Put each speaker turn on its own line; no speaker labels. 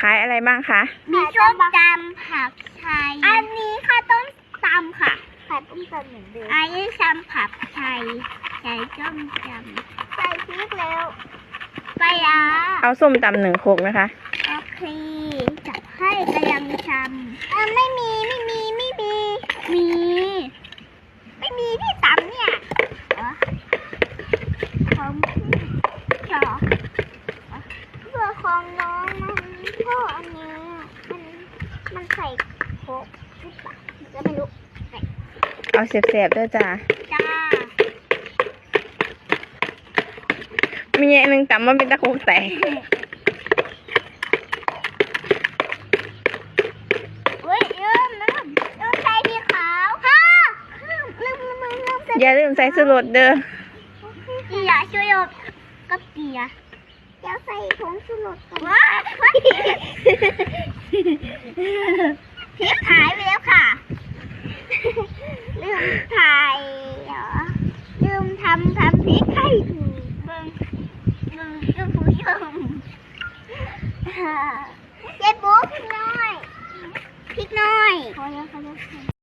ายอะไรบ้างคะ
มีส้มตำผักไทยอันนี้ค่ะต้มตำค่ะขายต้มตำเหมือนเดิมอันนี้ตำผักไทยใส่ส้มตำใส่พริกแล้วปลาร้า
เอาส้มตำ1 ครกนะคะ
โอเคจับให้กำลังทำไม่มีที่ตำเนี่ยของพี่จอเพื่อของน้องมันเพราะอันนี้มันใส่โคกหรือเปล่าจะไม่รู้
เอาเสียบๆด้วยจ้ามีอย่างหนึ่งตำมันเป็นตะโคกแตกอย่าลืมใส่ชูรสเด้อ
อย่าช่วยกับเกียร์เดี๋ยวใส่ผงชูรสก่อนว้าพริกหายไปแล้วค่ะลืมถ่ายเหรอลืมทำพริกให้เบิ่งผู้ชมเจ๊บุ๊กพริกน้อยพอแล้ว